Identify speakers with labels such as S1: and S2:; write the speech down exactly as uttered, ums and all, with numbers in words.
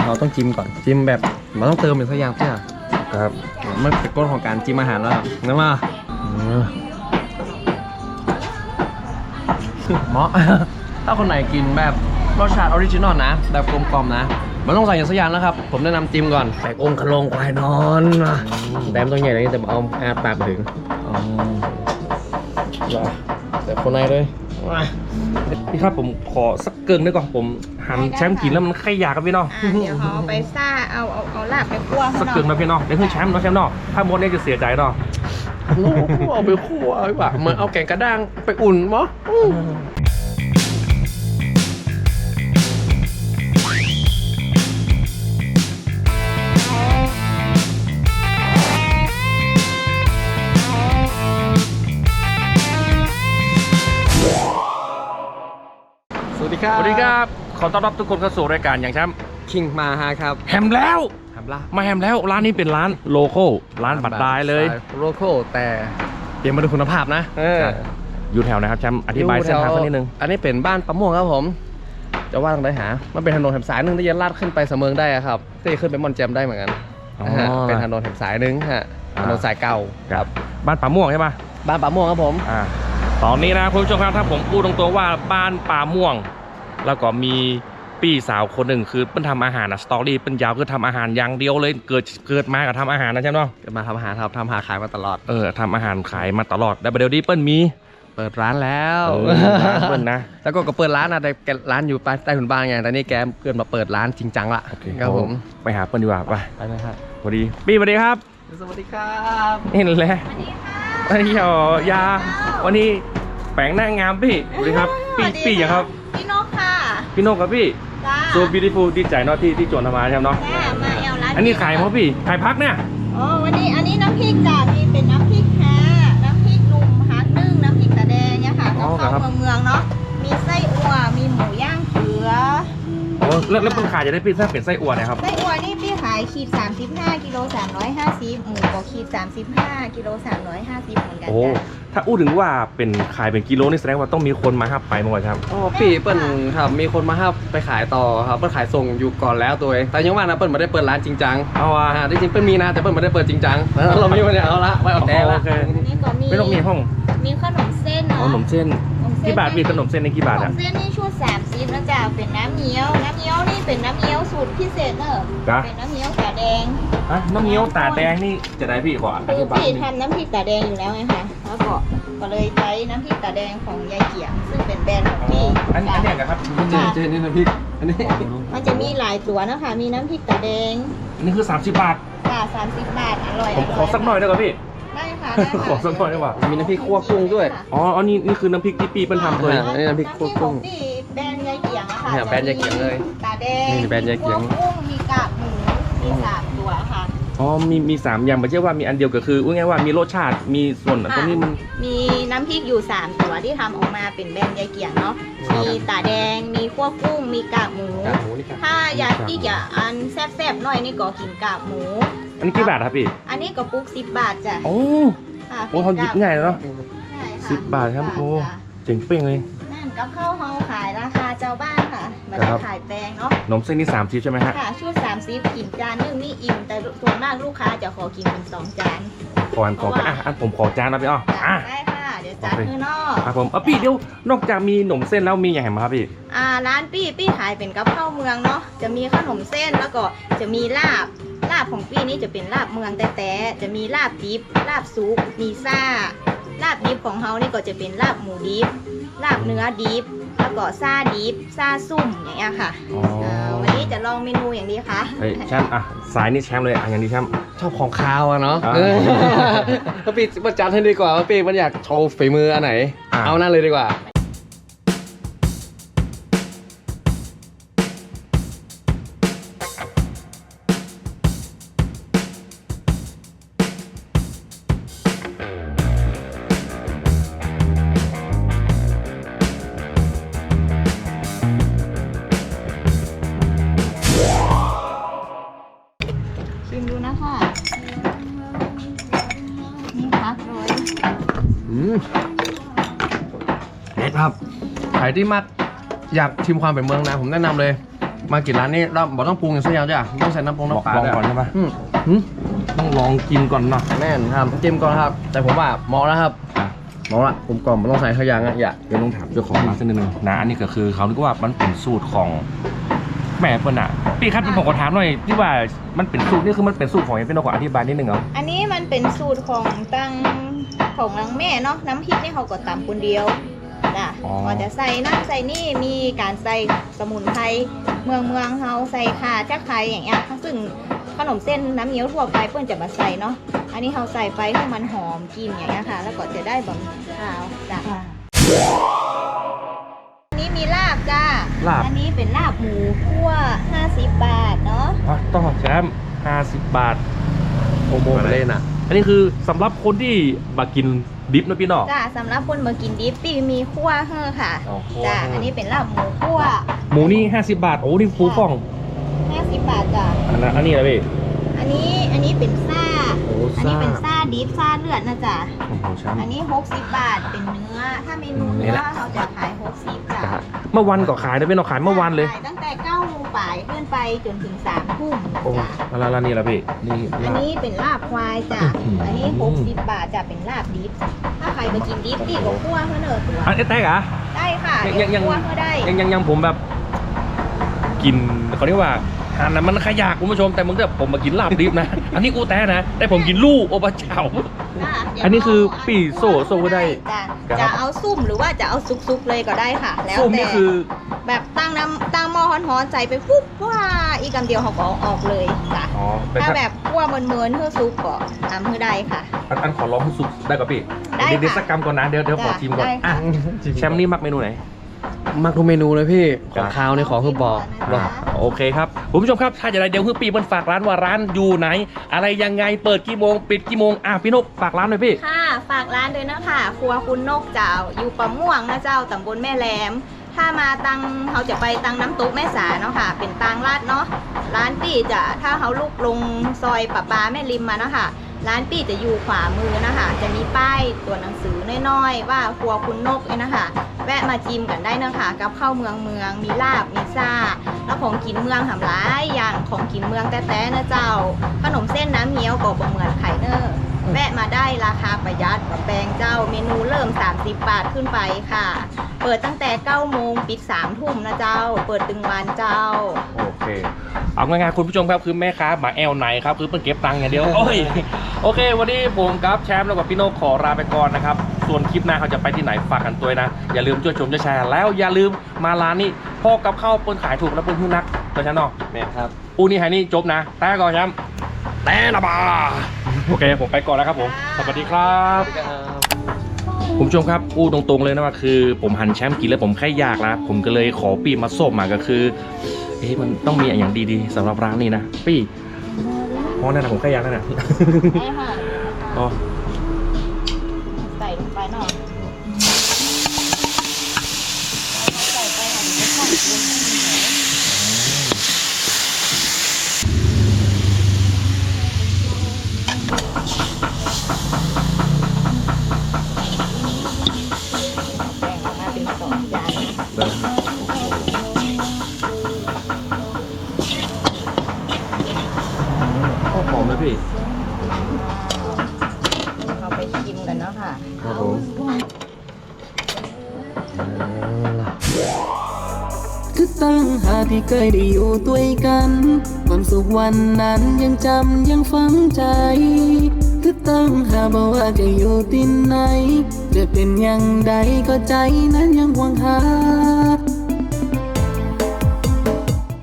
S1: เราต้องจิ้มก่อนจิ้มแบบมันต้องเติมเป็นสักอย่างใช่ไหมครับมันเป็นก้นของการจิ้มอาหารแล้วนะมาเหมาะถ้าคนไหนกินแบบรสชาติออริจินอลนะแบบกลมกล่อมนะมันต้องใส่อย่างสักอย่างนะครับผมแนะนำจิ้มก่อนแตกองค์ขลงควายนอนแต่มันต้องใหญ่เลยแต่เอาอาปากไปถึงแต่คนในเลยพี่ครับผมขอสักเกินได้ก่อนผมหั่นแชมป์กินแล้วมันไข่ยากับพี่น้อง
S2: เดี๋ยวเขาเอาไปซ่าเอาเอาเอาลาบไปคั่ว
S1: สักเกินนะพี่น้องเดี๋ยวคือแชมป์เนาะแชมป์เนาะถ้าหมดเนี่ยจะเสียใจเนาะเอาไปคั่วดีกว่าเหมือนเอาแกงกระด้างไปอุ่นมั้งสวัสดีครับสวัสดีครับขอต้อนรับทุกคนเข้าสู่รายการอย่างแชมป์คิงมาฮะครับแฮมแล้วแฮมละมาแฮมแล้วร้านนี้เป็นร้านโลโก้ร้านบัตรได้เลยโลโก้แต่เดี๋ยวมาดูคุณภาพนะอยู่แถวไหนครับแชมป์อธิบายเส้นทางสักนิดนึงอันนี้เป็นบ้านปะม่วงครับผมจะว่าตรงไหนหามันเป็นถนนแถมสายหนึ่งที่จะลาดขึ้นไปเสมิงได้ครับก็จะขึ้นไปมอนแจมได้เหมือนกันเป็นถนนแถมสายหนึ่งฮะถนนสายเก่าครับบ้านปะม่วงใช่ปะบ้านปะม่วงครับผมตอนนี้นะคุณผู้ชมครับถ้าผมพูดตรงๆว่าบ้านปะม่วงแล้วก็มีพี่สาวคนหนึ่งคือเป็นทำอาหารนะสตอรี่เป็นยาวคือทำอาหารอย่างเดียวเลยเกิดเกิดมากับทำอาหารนะใช่ไหมเกิดมาทำอาหารครับทำอาหารขายมาตลอดเออทำอาหารขายมาตลอดแต่เดี๋ยวนี้เปิ้ลมีเปิดร้านแล้วเปิ้ลนะแล้วก็ก็เปิดร้านนะแต่ร้านอยู่ใต้ถุนบ้านไงแต่นี่แกเกิดมาเปิดร้านจริงจังละครับผมไปหาเปิ้ลดีกว่าไปไปเลยครับสวัสดีพี่สวัสดีครับสวัสดีครับนี่แหละสวัสดีครับยาวันนี้แปลงหน้างามพี่สวัสดีครับพี่พี่อย่างครับ
S2: พี่นกค่ะ
S1: พี่นกกับพี่โซบิวตี้ฟูลดีใจเนาะที่ที่จวนทำมาใช่ไหมเนาะ
S2: มาเอลร้าน
S1: อันนี้ขายเพราะพี่ขายพักเนี่ย
S2: อ๋อวันนี้อันนี้น้ำพริกจ้ะมีเป็นน้ำพริกแท้น้ำพริกนุ่มฮักนึ่งน้ำพริกตาแดงเนี่ยค่ะก็เข้าเมืองเมืองเนาะมีไส้อั่วมีหมูย่างเผือ
S1: โอ้แล้วแล้วคนขายจะได้พี่ถ้าเป็นไส้อั่วนะครับ
S2: ไส้อั่วนี่พี่ขายขีดสามสิบห้ากิโลสามร้อยห้าสิบหมูก็ขีดสามสิบห้ากิโลสามร้อยห้าสิบเหมือนกัน
S1: โอ้ถ้าอู้ถึงว่าเป็นขายเป็นกิโลนี่แสดงว่าต้องมีคนมาฮับไปมั้งครับอ๋อพี่เปิ้ลครับมีคนมาฮับไปขายต่อครับเปิ้ลขายส่งอยู่ก่อนแล้วตัวเองแต่ยังว่านะเปิ้ลไม่ได้เปิดร้านจริงจังเอาอ่ะจริงๆเปิ้ลมีนะแต่เปิ้ลไม่ได้เปิดจริงจังเราไม่วันนี้เอาละไม่เอาแต่ละ
S2: นี่ก็มี
S1: ไม่ต้องมีห้อง
S2: มีขนมเส้นเนาะ
S1: ขนมเส้นกี่บาทมีขนมเส้นในกี่บาทอ่ะ
S2: เส้นนี่ชุดสามสิบนะจ๊ะเป็นน้ำเงี้ยวน้ำเงี้ยวนี่เป็นน้ำเงี้ยวสูตรพิเศษเนอะเป็นน้ำเงี้ยวตาแดง
S1: อ่ะน้ำเงี้ยวตาแดงนี่จะได้พี่ก่อน
S2: คือพี่ทำน้ำพริกตาแดงอยู่แล้วไงคะแล้วก็ก็เลยใช้น้ำพริกตาแดงของยายเกียงซึ่งเป็นแบรนด์ของพี่
S1: อันนี้อันนี้นะครับเจเจนี่น้ำพริกอันนี้
S2: มันจะมีหลายตัวนะคะมีน้ำพริกตาแดง
S1: อันนี้คือสามสิบบาท
S2: ค่ะสามสิบบาทอร่อย
S1: ผมขอสักหน่อยได้ไหมพี่
S2: ได้ค่ะ
S1: ขอสักหน่อยได้ป่ะมีน้ำพริกคั่วกุ้งด้วยอ๋ออันนี้นี่คือน้ำพริกที่ปีเป็นทำเลยอันนี้น้ำพริกคั่วกุ้ง
S2: แบรนด์ยายเกียงอะค่ะ
S1: แบรนด์ยายเกียงเลย
S2: ตาแดง
S1: แบรนด์ยายเกียง
S2: กุ้งมีกากหมูมีสามตัวค่ะ
S1: อ๋อมีมีสามอย่างไม่ใช่ว่ามีอันเดียวก็คือว่าไงว่ามีรสชาติมีส่วนตรงนี้มัน
S2: มีน้ำพริกอยู่สามตัวที่ทำออกมาเป็นแบรนด์ยายเกียงเนาะมีตาแดงมีคั่วกุ้งมีกากหมูถ้าอยากที่จะอันแซ่บๆหน่อยนี่ก็กินกากหมู
S1: อันนี้กี่บาทครับพี่
S2: อันนี้ก็ปุ๊กสิบบาทจ้ะ
S1: โอ้โอ้เขาหยิบง่ายเนาะสิบบาทครับโอ้เจ๋งเป้งเลย
S2: นั่นกับข้าวเฮาขายราคาเจ้าบ้านค่ะไม่ได้ขายแพงเนาะ
S1: นมเส้นนี่สามสิบใช่ไหมฮะ
S2: ค่ะชุดสามสิบกินจานนึงนี่อิ่มแต่ส่วนมากลูกค้าจะขอกินเป็นสองจาน
S1: ขออันขออ่ะอันผมขอจานนะพี่อ๋อ
S2: อ่ะได้ค่ะเดี๋ยวจานคือนอก
S1: ครับผมอ่ะพี่เดี๋ยวนอกจากมีขนมเส้นแล้วมีอย่างไรมาครับพี่
S2: อ่าร้านปี้ปี้ขายเป็นกับข้าวเมืองเนาะจะมีขนมเส้นแล้วก็จะมีลาบลาบของปี้นี่จะเป็นลาบเมืองแต่แต่จะมีลาบดิบลาบซุปมีซ่าลาบดิบของเฮานี่ก็จะเป็นลาบหมูดิบลาบเนื้อดิบแล้วก็ซาดิบซาซุ่มอย่างเงี้ยค่ะวันนี้จะลองเมนูอย่างนี้ค่ะ
S1: เฮ้ยแชมป์อ่ะสายนี่แชมป์เลยอ่ะอย่างนี้แชมป์
S3: ชอบของคาวอะเนาะถ้าปีประจันให้ดีกว่าว่าปีมันอยากโชว์ฝีมืออันไหนเอานั่นเลยดีกว่า
S2: ชิมดูนะคะนี่พักเลย
S3: อืมเด็ดครับใครที่มักอยากชิมความเป็นเมืองนะผมแนะนำเลยมากินร้านนี้เราบอกต้องปรุงอย่างสักอย่างจ้ะต้องใส่น้ำปรุงน้ำปลา
S1: ลอง
S3: ด้วย
S1: ก่อนใช่ไหม
S3: อืม
S1: หึต้องลองกินก่อนเนาะ
S3: แม่นครับจิ้มก่อนครับ แต่ผมว่าเหมาะแล้วครับเหมาะละผมกล่อมมันต้องใส่ข้าวยังอ่ะอย่าเดี๋ยวต้องถามเจ้าของร้านสักนิดนึง
S1: นะอันนี้ก็คือเขาคิดว่ามันเป็นสูตรของแม่เปิ้ลอ่ะพี่ครับผมขอถามหน่อยที่ว่ามันเป็นสูตรนี่คือมันเป็นสูตรของยังเป็นขออธิบายนิดนึงเหรอ
S2: อันนี้มันเป็นสูตรของตั้งของนางแม่เนาะน้ำพริกนี่เขาก็ตำคนเดียวจ้ะก็จะใส่น้ำใส่นี่มีการใส่สมุนไพรเมืองเมืองเขาใส่ข่าจักไคร้อย่างเงี้ยซึ่งขนมเส้นน้ำเงี้ยวทั่วไปเพื่อนจะมาใส่เนาะอันนี้เขาใส่ไปให้มันหอมกลิ่นอย่างเงี้ยค่ะ แล้วก็จะได้บะหมี่ขาวจ้ะอันนี้มีลาบจ้า
S1: ลาบ
S2: อันนี้เป็นลาบหมูคั่วห้าสิบบาทเนาะ
S1: อ๋อต้องแชมป์ห้าสิบบาท
S3: โอโมมาเล่นอ่ะ
S1: อันนี้คือสำหรับคนที่มากินดิบนะพี่เนาะ
S2: จ้าสำหรับคนมากินดิฟปี้มีคั่วเฮ้อค่ะ
S1: อ๋อคั่ว
S2: จ้า
S1: เฮ้ออั
S2: อันนี้เป็นลาบหมูคั่ว
S1: หมูนี่ห้าสิบบาทโอ้นี่ฟูฟ่อง
S2: ห้าสิบบาทจ้า
S1: อันนั้นอันนี้อะไรพี่
S2: อันนี้อันนี้เป็นซ่า
S1: โอ้
S2: อัน
S1: ซ่า
S2: นี้เป็นซ่าดิฟซ่าเลือดนะจ๊ะ
S1: โอ้โหแชมป์
S2: อันนี้หกสิบบาทเป็นเนื้อ ถ้าเมนู
S1: นี่
S2: เนื้
S1: แห
S2: อ
S1: ละ
S2: เราจะขายหกสิบจ้ะ
S1: เมื่อวันก็ขายนะพี่เนาะขายเมื่อวันเลย
S2: ขายตั้งแต่เก้าโมงบ่ายขึ้นไปจนถึงสามทุ่ม
S1: โอ้
S2: จ้ะ
S1: แล้วแล้วนี่ละพี่นี่
S2: อัน
S1: ลาบ
S2: นี้เป็นลาบควายจ้ะ
S1: อื้อหืออั
S2: อันนี้หกสิบบาทจะเป็นลาบดิฟถ้าใครไปกินดิฟตี้ก็คั่วเพื่อเนอะตัว
S1: อันนี้แตกเหรอ
S2: ได้ค่ะ
S1: ยังยัง
S2: คั่วเพื่อได้
S1: ยังยังยังผมแบบ กินเขาเรียกว่าอาหารนั้นมันขยากคุณผู้ชมแต่มึงแบบผมมากินลาบดิบนะ อันนี้กูแต้นะ แต่ผมกินลู่โอปะเจ้า
S2: จ้ะเดี๋ยว
S1: อันนี้คือ
S2: เา
S1: ปี่โซ่โซ่ก็ได้
S2: จ้ะ
S1: ครับ
S2: จะเอาซุ่มหรือว่าจะเอาซุกๆเลยก็ได้ค่ะ แล้ว
S1: ส้ม
S2: แต่
S1: นี่คือ
S2: แบบตั้งน้ำตั้งหม้อฮ้อนๆใส่ไปปุ๊บว่าอีกคำเดียวเขาก็เอาออกเลยจ้ะ
S1: อ๋อแต่
S2: ถ้า
S1: ถ้า
S2: แบบคั่วเมินๆเพื่อซุปก็ทำเพื่อได้ค่ะ
S1: อันอันขอลองให้สุกได้กับพี่
S2: ได้
S1: เดี๋ยวเดี๋ยว
S2: ค่ะ
S1: สักกรรมก่อนนะเดี๋ยวเดี๋ยวขอ
S2: จ้ะ
S1: ชิมก่อน
S2: ได้ค่ะ
S1: อ่ะแชมป์นี่มักเมนูไหน
S3: มักทุกเมนูเลยพี่ข
S1: ครั
S3: อบ งคาวในของคือบอกบอก
S1: โอเคครับคุณผู้ชมครับถ้าจะได้เดี๋ยวคือปีมันฝากร้านว่าร้านอยู่ไหน อะไรยังไงเปิดกี่โมงปิดกี่โมงอ่ะพี่นกฝากร้านหน่อยพี่
S2: ค่ะ ฝากร้านด้วยนะคะครัวคุณนกเจ้า อยู่ปะม่วงนะเจ้าตำบลแม่แหลม ถ้ามาตังเขาจะไปตังน้ำตกแม่สาเนาะค่ะ เป็นตังลาดเนาะ ร้านปี้จะถ้าเขาลุกลงซอยปะปาแม่ริมมาเนาะค่ะ ร้านปี้จะอยู่ขวามือนะคะ จะมีป้ายตัวหนังสือน้อยๆว่าครัวคุณนกเองนะคะ แวะมาจิ้มกันได้เนาะค่ะกับข้าวเมืองเมือง มีลาบ มีซ่า แล้วของกินเมืองหำร้ายอย่างของกินเมืองแต้ๆนะเจ้า ขนมเส้นน้ำเงี้ยวก็บ่เหมือนไข่เนอร์แวะมาได้ราคาประหยัดกว่าแปลงเจ้า เมนูเริ่มสามสิบบาทขึ้นไปค่ะ เปิดตั้งแต่เก้าโมงปิดสามทุ่มนะเจ้า เปิดตึงวันเจ้า
S1: โอเค เอาง่ายๆคุณผู้ชมครับคือแม่ค้าหมาแอลไหนครับคือเพิ่งเก็บตังค์อย่างเดียว โอ้ยโอเค วันนี้ผมกับแชมป์แล้วกับพี่โนกขอลาไปก่อนนะครับ ส่วนคลิปหน้าเขาจะไปที่ไหนฝากกันตัวนะ อย่าลืมช่วยชมช่วยแชร์แล้วอย่าลืมมาร้านนี้พ่อกับข้าวเปิ้ลขายถูกและเปิ้ลหุ้นนักตัวฉันเนาะ
S3: แม่ครับ
S1: อูนี่ไฮนี่จบนะ แต่ก่อนแชมป์แต่ละบาโอเค ผมไปก่อนแล้วครับผมสวัสดีครับ คุณผู้ชมครับอู้ตรงๆเลยนะว่าคือผมหันแชมป์กินแล้วผมแค่อยากแล้วผมก็เลยขอปีมาส้มมาก็คือเอ๊ะมันต้องมีอย่างดีๆสำหรับร้านนี้นะปี้เพราะนั่นนะผมแค่อยากนั่นนะ
S2: ได้ค่ะ
S1: อ๋อ
S2: ใส่ลงไปหน่อยใส่ไปหน่อยเดี๋ยวจะทอดลงให้เหนียวแบ่งออกมาเป็นสองจานนะคะ
S1: โอ้หอมเลยพี่
S2: เราไปชิมกันเนาะค่ะ
S3: ครับผม
S4: คือตั้งหากที่เคยได้อยู่ด้วยกัน ความสุขวันนั้นยังจำยังฝังใจ คือตั้งหากบอกว่าจะอยู่ที่ไหน จะเป็นอย่างใดก็ใจนั้นยังหวงหา